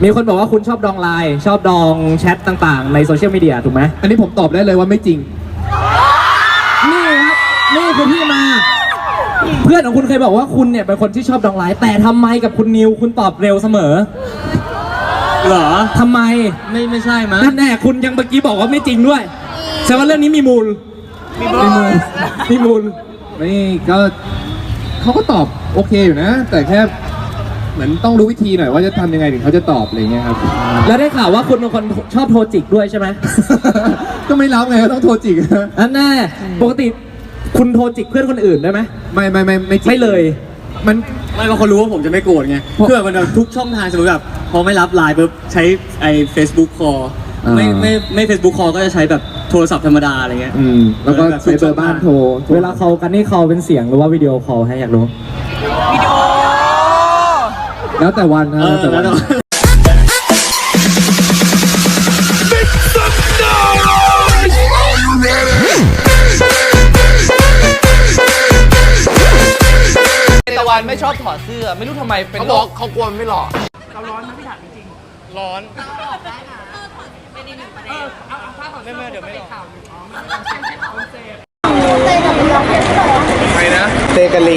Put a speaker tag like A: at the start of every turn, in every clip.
A: มีคนบอกว่าคุณชอบดองไลน์ชอบดองแชทต่างๆในโซเชียลมีเดียถูกไหม
B: อันนี้ผมตอบได้เลยว่าไม่จริง
A: นี่ครับนี่คือที่มาเพื่อนของคุณเคยบอกว่าคุณเนี่ยเป็นคนที่ชอบดองไลน์แต่ทำไมกับคุณนิวคุณตอบเร็วเสมอเหรอทำไมไม่ใช่มั้ยนั่นแน่คุณยังเมื่อกี้บอกว่าไม่จริงด้วยแสดงว่าเรื่องนี้มีมูล
B: นี่ก็เขาก็ตอบโอเคอยู่นะแต่แค่เหมือนต้องรู้วิธีหน่อยว่าจะทำยังไงถึงเขาจะตอบอะไรเงี้ยครับ
A: แล้วได้ข่าวว่าคุณเป็นคนชอบโทรจิกด้วยใช่ไหม
B: ก็ไม่รับไงก็ต้องโทรจิก
A: อันแน่ปกติคุณโทรจิกเพื่อนคนอื่นได้ไหม
B: ไม่
A: เลย
C: มันไม่บางคนรู้ว่าผมจะไม่โกรธไงเพื่อมันทุกช่องทางสมมติแบบพอไม่รับไลน์ปุ๊บใช้ไอ้ Facebook call ไม่ Facebook call ก็จะใช้แบบโทรศัพท์ธรรมดาอะไรเงี้ย
B: แล้วก็ใช้เบอร์บ้านโทร
A: เวลาเขากันนี่เขาเป็นเสียงหรือว่าวิดีโอคอลให้อยากรู้
D: วิดีโอ
B: แล้วแต่วันนะแล้วแต่วัน
D: ตะวันไม่ชอบถอดเสื้อไม่รู้ทำไมเป็น
C: เขาบอกเขากลัวไม่หล่อ
D: เราร้อนนะพี่ถามจริงๆร้อนได้นะไม่ได้หนึ่งประเด็นเอาถ้าถอดเสื้อเดี๋ยวไม่หล่อ
B: ใครนะเตกะลี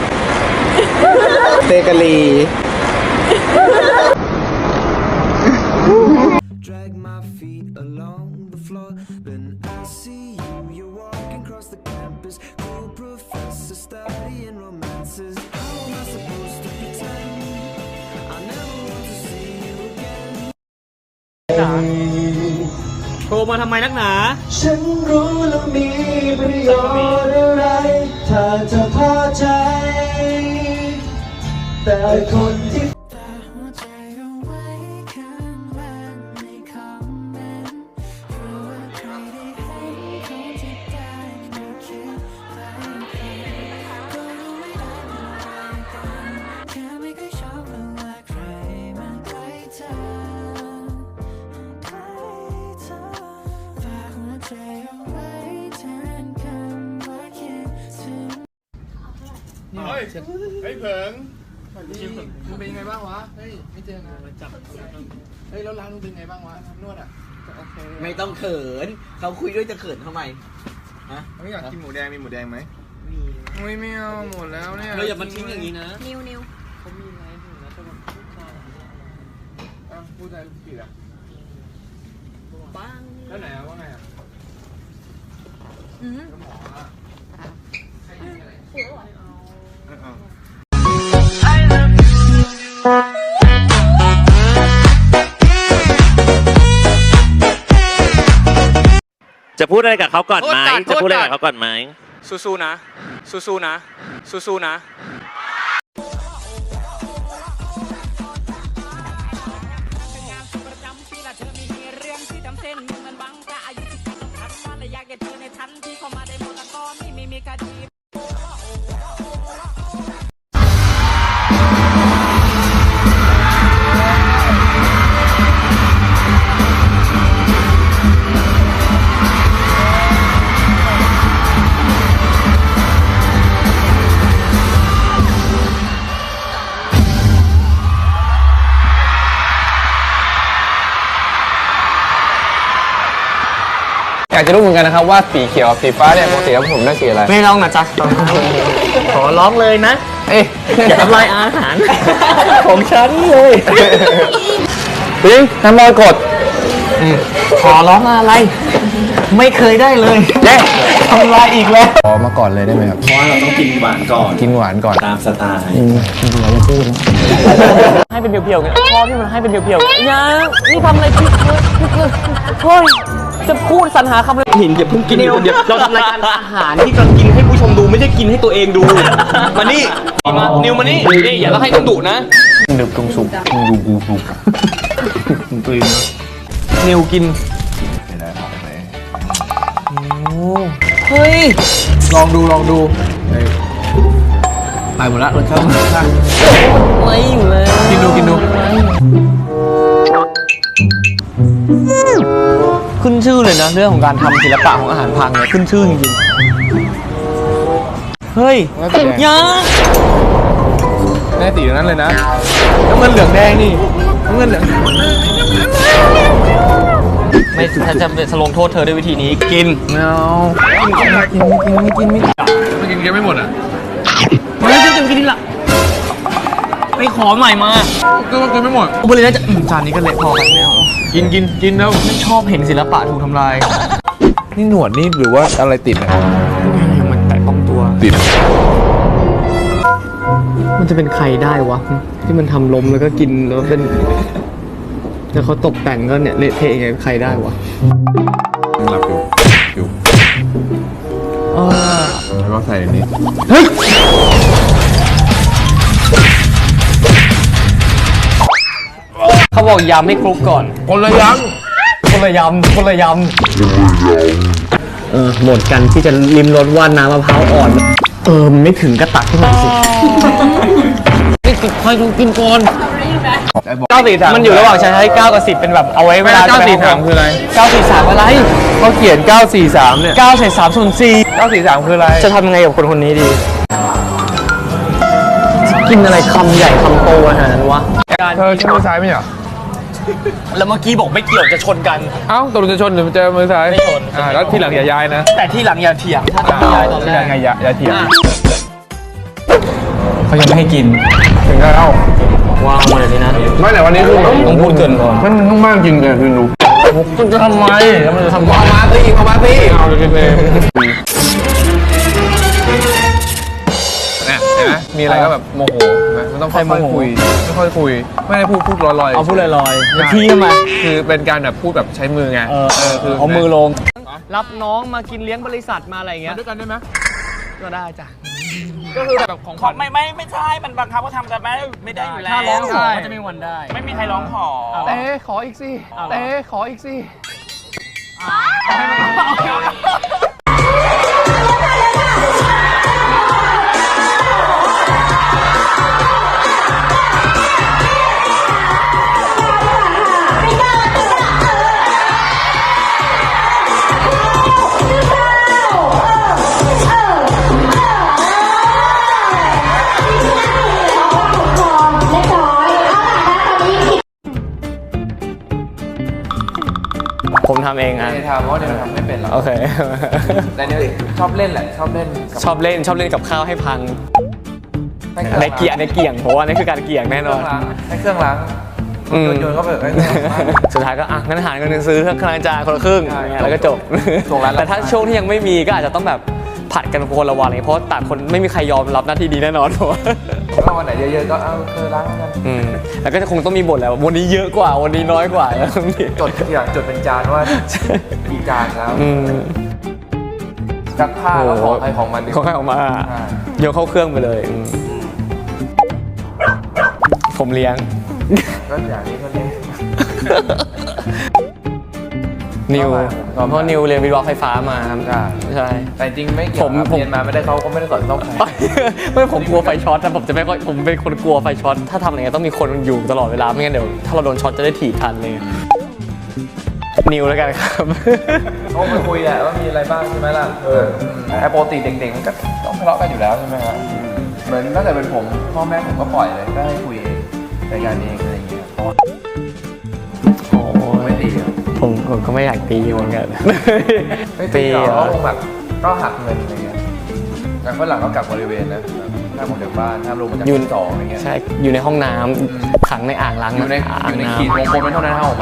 E: Drag my feet along the floor. Then I see you. You're walking across the campus. Cool professor studying romances. How am I supposed to pretend? I never want to see you again.
C: โทรมาทำไมนักหนา
E: ฉันรู้แล้วมีประโยชน์อะไรถ้าจะพอใจแต่คนที่
B: เฮ้ยเผิงมึงเป็นยังไงบ้างวะเฮ้ยไม่เจอนานจับเฮ้ยแล้วร้านมึงเป็นไงบ้างวะนวดอ่ะโอเค
C: ไม่ต้องเขินเขาคุยด้วยจะเขินทำไมฮะ
B: ไม่อยากกินหมูแดงมีหมูแดงไหมมีไม่เอาหมดแล้วเนี่ย
C: เราอย่ามาทิ้งอย่างนี้นะ
D: นิว
C: เขามีอะไรถึงแล้วจะแบบ
B: พูดอะไรผิดอ่ะ
D: บ้าง
B: แล้วไหนอะว่าไงอ่ะหมออะใครยิงอะไร
F: จะพูดอะไรกับเขาก่อนไหมจะพูดอะไรกับเขาก่อนไหม
C: สู้ๆนะสู้ๆนะ
B: อยากจะรู้เหมือนกันนะครับว่าสีเขียวสีฟ้าเนี่ยปกติแล้วผมได้สีอะไร
C: ไม่ร้องนะจ๊ะขอร้องเลยนะอย่าทำลายอาหารของฉันเลย
B: จริงทำรอยกด
C: ขอร้องอะไรไม่เคยได้เลยทำลายอีกแล้ว
B: ขอมาก่อนเลยได้ไหมครับ
F: เพราะว่าเราต้องกินหวานก่อนตามสไตล์
B: เราจะพูด
D: ให้เป็นเพียวๆกันพ่อที่มันให้เป็นเพียวๆนะนี่ทำอะไรผิดเลยเฮ้ยจะพูดสรรหาคำเลย
C: หินอย่าเพิ่งกินคนเดียวเราทำรายการอาหารที่กำลังกินให้ผู้ชมดูไม่ใช่กินให้ตัวเองดูมานี่นิวมานี่อย่าต้องให้ต้องดุนะ
B: ดึกตรงสุกดูตัวเอง
C: นิวกิน
D: เฮ้ย
B: ลองดูไปหมดละรสชาติ
D: ไม่อยู่เลย
B: กินดู
D: ขึ้นชื่อเลยนะเรื่องของการทำศิลปะของอาหารพังเนี่ยขึ้นชื่อจริงๆเฮ้ยยัง
B: แม่ตีนั้นเลยนะแล้วมันเหลืองแดงนี่เงินเหลือง
D: ไม่ถ้าจะลงโทษเธอด้วยวิธีนี้กิน
B: ไม่เอาไม่กินไม่หมดอ่ะ
D: ไม่จะกินละไปขอใหม่มา
B: ก็กินไม่หมด
D: บริเวณจะจานนี้ก็เละพอกันแล้ว
B: กินแล้ว
D: ไม่ชอบเห็นศิลปะถูกทำลาย
B: นี่หนวดนี่หรือว่าอะไรติดอ่ะ
D: มันแตะต้องตัว
B: ติด
D: มันจะเป็นใครได้วะ ที่มันทำล้มแล้วก็กินแล้วเป็นแล้วเขาตกแต่งก็เนี่ยเละเทะยังไงใครได้วะ
B: หลับอยู่แล้วก็ใส่อันนี้
D: เขาบอกยำให้คลุกก่อน
B: คนละยัง
D: คนละยำหมดกันที่จะริมรสว่าน้ำมะพร้าวอ่อนมันไม่ถึงก็ตักขึ้นมาสินี่คอยดูกินก่อน943มันอยู่ระหว่างใช้9กับ10เป็นแบบเอาไว้เวลา
B: 943คืออะไร
D: 943อะไร
B: เขาเขียน943เนี่ย
D: 9ใส่3ส่วน4
B: 943คืออะไร
D: จะทำยังไงกับคนนี้ดี กินอะไรคำใหญ่คำโตขนาดนั้นวะ
B: เธอใช้มือซ้ายไม่เหรอ
D: แล้วเมื่อกี้บอกไม่เกี่ยวจะชนกัน
B: เอ้าตกลงจะชนหรือจะมือซ้ายไม่ชนแล้วทีหลังอย่าย้ายนะ
D: แต่ที่หลังอย่าเถียงถ้าจะไม่ย้ายตอนแร
B: ทีหลั
D: ก
B: งอย่าเถียง
D: เขายังไม่ให้กิน
B: ถึงแล้ว
D: วางมาเลยนี่นะ
B: ไม่แต่วันนี้คือ
D: ต้องพูดเกินก่อน
B: มันต้องมากจริงเลยคือรู้
D: คุณจะทำไมแล้วมันจะทำไม
B: เอามาสิเอาเลยกินเลยเนี่ยเห็นไหมมีอะไรก็แบบโมโหมันต้องค่อยๆคุยไม่ค่อยคุยไม่ได้พูดลอยๆ
D: เอาพูดลอยๆพี่ทำไม
B: คือเป็นการแบบพูดแบบใช้มือไงคือ
D: เอามือลง รับน้องมากินเลี้ยงบริษัทมาอะไรอย่างเงี้ย
B: ด้วยกันได้ไหม
D: ก็ได้จ้ะ
B: ก็คือแบบของขวัญ
G: ไม่ใช่ มันบังคับว่าทำกันไม่ได้อยู่แล้ว
D: ถ้าร้องขอก็จะไม่มีวันได้
G: ไม่มีใครร้องขอ
B: เต้ขออีกสิเต้ขออีกสิ
D: ผมทำเองอ่ะ
B: ทำเพราะเดี๋ยวทำไม่เป็นหรอก
D: โอเค
B: แต่เนี่ยชอบเล่นแหละชอบเล่น
D: ชอบเล่นกับข้าวให้พังในเกี่ยงเพราะว่านี่คือการเกี่ยงแน่นอน
B: ให้เครื่องล้างโยนเข้าไป
D: สุดท้ายก็อ่ะงั้นหารกันซื้อเครื่องล้างจานคนละครึ่งแล้วก็จบ แต่ถ้าช่วงที่ยังไม่มีก็อาจจะต้องแบบผัดกันคนละวันเลยเพราะต่างคนไม่มีใครยอมรับหน้าที่ดีแน่นอนเพราะว่า
B: ก็วันไหนเยอะๆก็เอาล้างกัน
D: แล้วก็จะคงต้องมีบทแล้ววันนี้เยอะกว่าวันนี้น้อยกว่าแล้ว
B: จดอย่างจดเป็นจานว่ากี่จานแล้วซักผ้าก็ของใครของมัน
D: ของใครออกมาโยนเข้าเครื่องไปเลยผมเลี้ยง
B: ก็อย่างนี้ก็เล่น
D: นิวเพราะนิวเรียนวิศวะไฟฟ้ามาครับใช่
B: แต่จริงไม่เกี่ยวเรียนมาไม่ได้เขาก็ไม่ได้สอนต้อง
D: ไม่ผมกลัวไฟช็อตแต่ผมจะไม่ค่อยผมเป็นคนกลัวไฟช็อตถ้าทำอะไรเงี้ยต้องมีคนอยู่ตลอดเวลาไม่งั้นเดี๋ยวถ้าเราโดนช็อตจะได้ถีบทันเลยนิวแล้วกันครับ
B: เขาไปคุยแหละว่ามีอะไรบ้างใช่ไหมล่ะปกติเด็กๆมันก็ต้องทะเลาะกันอยู่แล้วใช่ไหมครับเหมือนถ้าเกิดเป็นผมพ่อแม่ผมก็ปล่อยเลยก็ให้คุยเองรายการเองอะไรอย่างเงี้ยเพราะว่า
D: โอ้ไม่ตีผมก็ไม่อยากตีเหมือนกัน
B: ตีเขาคงแบบก็หักเงินอะไรเงี้ยแต่ฝรั่งก็กลับบริเวณนะถ้าผมเด็กบ้านถ้าลงมาจากชั้น2อะไรเงี้ย
D: ใช่อยู่ในห้องน้ำขังในอ่างล้าง
B: อยู่ในขีดวงกลมไม่เท่านั้นออกมา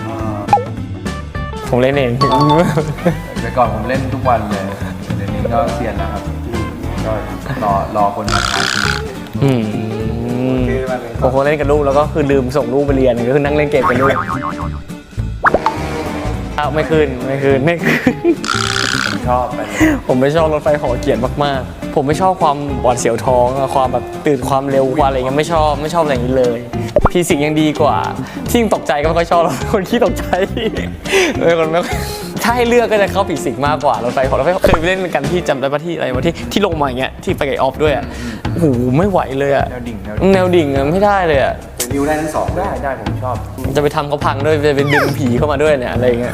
D: ผมเล่นเอง
B: แต่ก่อนผมเล่นทุกวันเลยเดี๋ยวนี้ก็เซียนแล้วครับก็รอคนมาทาน
D: ผมเล่นกับลูกแล้วก็คือลืมส่งลูกไปเรียนก็คือนั่งเล่นเกมกับลูกไม่ขึ้น
B: ผมชอบไป
D: ผมไม่ชอบรถไฟหอเกียรมากๆผมไม่ชอบความหวาดเสียวท้องความแบบตื่นความเร็วความอะไรเงี้ยไม่ชอบอะไรอย่างนี้เลยฟิสิกส์ยังดีกว่าที่ตกใจก็ไม่ค่อยชอบคนขี้ตกใจคนไม่ถ้าให้เลือกก็จะเข้าฟิสิกส์มากกว่ารถไฟหอรถไฟเคยไปเล่นกันที่จำได้ปะที่อะไรวะที่ลงมาอย่างเงี้ยที่ไปกับออฟด้วยอ่ะโอ้โหไม่ไหวเลยอ่ะแนวดิ่งไม่ได้เลยอ่ะ
B: นิวได้ทั้งสองได้ผมชอบ
D: จะไปทำเขาพังด้วยจะไปดึงผีเข้ามาด้วยเนี่ยอะไรเงี้ย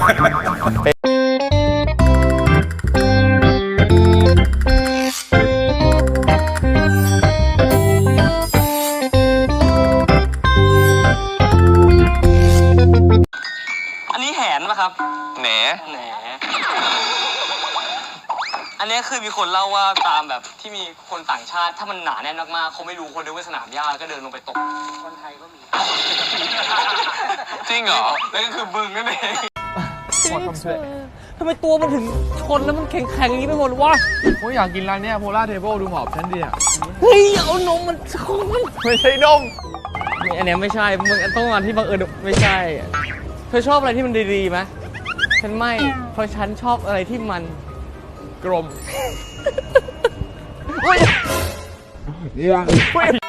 D: อันนี้คือมีคนเล่าว่าตามแบบที่มีคนต่างชาติถ้ามันหนาแน่นมากๆเขาไม่รู้คนนึกว่าสนามหญ้าก็เดินลงไปตกคนไทยก็มีจริงเหรอแล้วก็คือบึงนั่นเองทำไมตัวมันถึงชนแล้วมันแข็งๆอย่างนี้ไปหมดวะ
B: ผมอยากกินร้านเนี้ยโพล่าเทเบิลดูหมอบชั้นดีอ่ะ
D: เฮ้ยเอานมมันชน
B: ไม่ใช่นม
D: อันเนี้ยไม่ใช่มึงต้องมาที่บังเอิญไม่ใช่เธอชอบอะไรที่มันดีๆไหมฉันไม่เพราะฉันชอบอะไรที่มัน
B: กลม
D: เฮ้ย